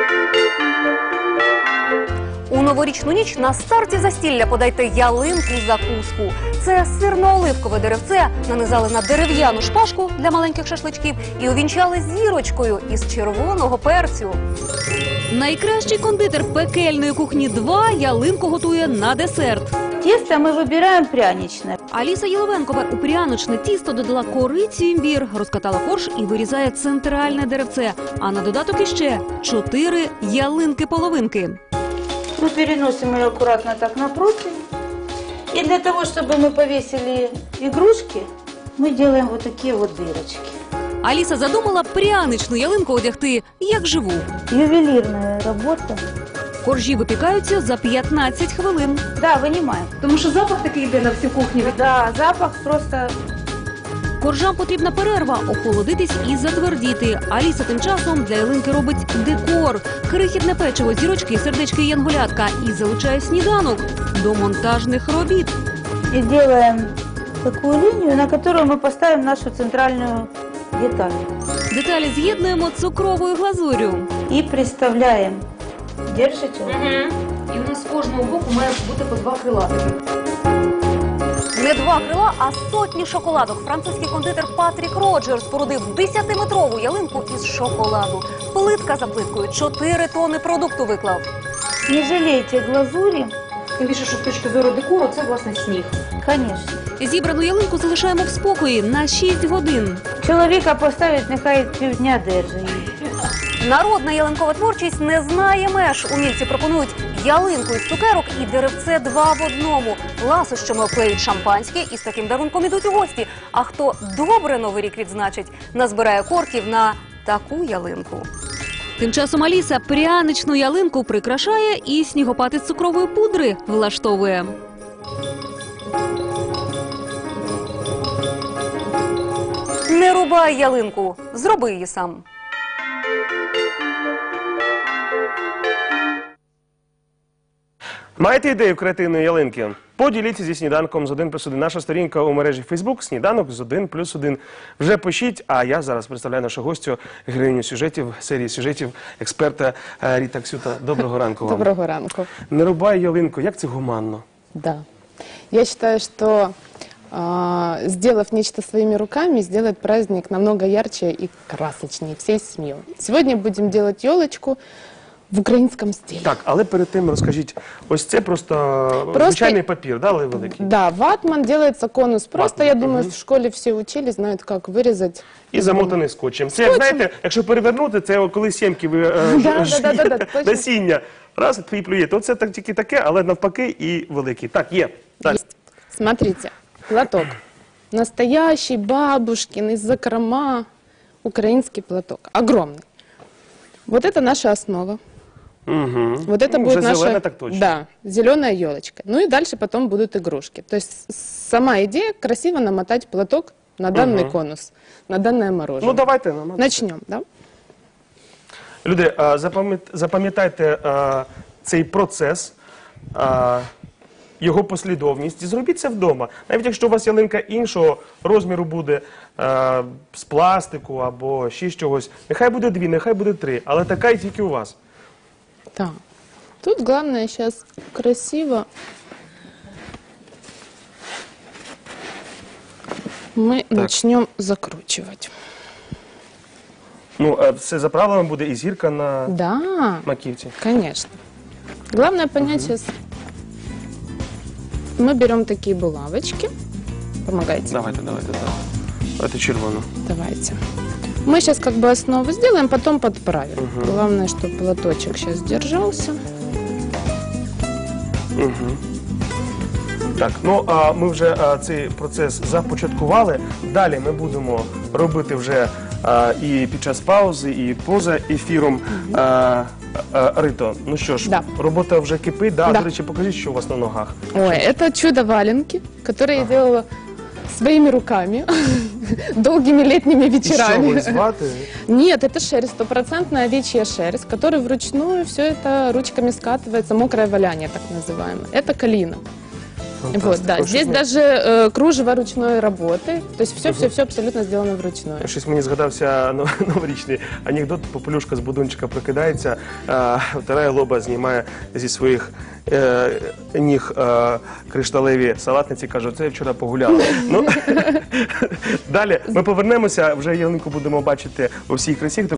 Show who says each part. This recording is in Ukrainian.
Speaker 1: У новорічну ніч на старті застілля подайте ялинку-закуску. Це сирно-оливкове деревце нанизали на дерев'яну шпажку для маленьких шашличків і увінчали зірочкою із червоного перцю. Найкращий кондитер пекельної кухні 2 ялинку готує на десерт.
Speaker 2: Тесто мы выбираем пряничное.
Speaker 1: Аліса Єловенкова у пряничне тісто додала корицю, імбір, розкатала форш і вирізає центральне деревце. А на додаток іще 4 ялинки-половинки.
Speaker 2: Мы переносим ее аккуратно так на противень. И для того, чтобы мы повесили игрушки, мы делаем вот такие вот дырочки.
Speaker 1: Аліса задумала пряничну ялинку одягти як живу.
Speaker 2: Ювелирная работа.
Speaker 1: Коржі випікаються за 15 хвилин.
Speaker 2: Да, вынимаем.
Speaker 1: Тому що запах такий йде на всю кухню.
Speaker 2: Да, запах просто...
Speaker 1: Коржам потрібна перерва, охолодитись і затвердіти. Аліса тим часом для ялинки робить декор. Крихітне печиво, зірочки, сердечки і янголятка. І залучає сніданок до монтажних робіт.
Speaker 2: И делаем такую линию, на которую мы поставим нашу центральную деталь.
Speaker 1: Деталі з'єднуємо цукровою глазур'ю.
Speaker 2: И приставляем. Держите?
Speaker 1: І у нас з кожного боку має бути по 2 крилатики. Не 2 крила, а сотні шоколадок. Французький кондитер Патрік Роджер спорудив 10-метрову ялинку із шоколаду. Плитка за плиткою 4 тони продукту виклав.
Speaker 2: Не жалейте глазури.
Speaker 1: Тим більше, що з точки зору декору це, власне, сніг.
Speaker 2: Конечно.
Speaker 1: Зібрану ялинку залишаємо в спокої на 6 годин.
Speaker 2: Чоловіка поставить, нехай півдня держить.
Speaker 1: Народна ялинкова творчість не знає меж. Умільці пропонують ялинку із цукерок і деревце 2 в одному. Ласощами обклеють шампанське і з таким дарунком ідуть у гості. А хто добре Новий рік відзначить, назбирає корків на таку ялинку. Тим часом Аліса пряничну ялинку прикрашає і снігопад із цукрової пудри влаштовує. Не рубай ялинку, зроби її сам.
Speaker 3: Маєте ідею креативної ялинки? Поділіться зі сніданком з 1+1. Наша сторінка у мережі Facebook «Сніданок з 1+1». Вже пишіть, а я зараз представляю нашу гостю, героїню сюжетів, серії сюжетів, експерта Ріта Ксюта. Доброго ранку вам.
Speaker 4: Доброго ранку.
Speaker 3: Не рубай ялинку, як це гуманно?
Speaker 4: Да. Я считаю, что сделав нечто своими руками, сделает праздник намного ярче и красочнее всей семьей. Сегодня будем делать елочку в українському стилі.
Speaker 3: Так, але перед тим розкажіть, ось це просто звичайний папір, да, але великий?
Speaker 4: Да, ватман, делается конус. Просто, я думаю, в школі всі учили, знають, як вирізати.
Speaker 3: І замотаний скотчем. Це, як, знаєте, якщо перевернути, це коли сімки ви насіння. Раз, і плюєте. Оце так, тільки таке, але навпаки і великий. Так, є. Так.
Speaker 4: Смотрите, платок. Настоящий, бабушкин, из закрома. Украинский платок. Огромный. Вот это наша основа.
Speaker 3: Угу.
Speaker 4: Вот это будет наша...
Speaker 3: зеленая, так точно.
Speaker 4: Да, зеленая елочка. Ну и дальше потом будут игрушки. То есть сама идея красиво намотать платок на данный конус, на данное мороженое.
Speaker 3: Ну давайте.
Speaker 4: Начнем, да?
Speaker 3: Люди, запам'ятайте цей процес, його послідовність і зробіть це вдома. Навіть якщо у вас ялинка іншого розміру буде, з пластику або ще з чогось, нехай буде 2, нехай буде 3, але така і тільки у вас.
Speaker 4: Так. Тут главное сейчас красиво мы начнем закручивать.
Speaker 3: Ну, все за правилами буде і зірка на маківці.
Speaker 4: Конечно. Главное понять сейчас, мы берем такие булавочки. Помогайте.
Speaker 3: Давайте. Давайте червону.
Speaker 4: Давайте. Мы сейчас как бы основу сделаем, потом подправим. Главное, чтобы платочек сейчас держался.
Speaker 3: Так, ну а ми вже цей процес започаткували. Далі ми будемо робити вже і під час паузи, і поза ефіром. Рито, ну що ж, робота вже кипить. Да. До речі, покажіть, що у вас на ногах.
Speaker 4: Ой, это чудо-валенки, которые я делала своими руками, долгими летними вечерами.
Speaker 3: И что, вы ваты?
Speaker 4: Нет, это шерсть, стопроцентная овечья шерсть, которая вручную все это ручками скатывается, мокрое валяние так называемое. Это калина. Вот, да.
Speaker 3: Ось
Speaker 4: Здесь
Speaker 3: щось
Speaker 4: даже кружево ручной работы. То есть все абсолютно сделано вручную.
Speaker 3: Щось мені згадався новорічний анекдот. Попелюшка з будунчика прокидається, втирає лоба, знімає зі своїх ніг кришталеві салатниці, каже, це я вчора погуляла. Ну, далі ми повернемося, вже ялинку будемо бачити у всій красі.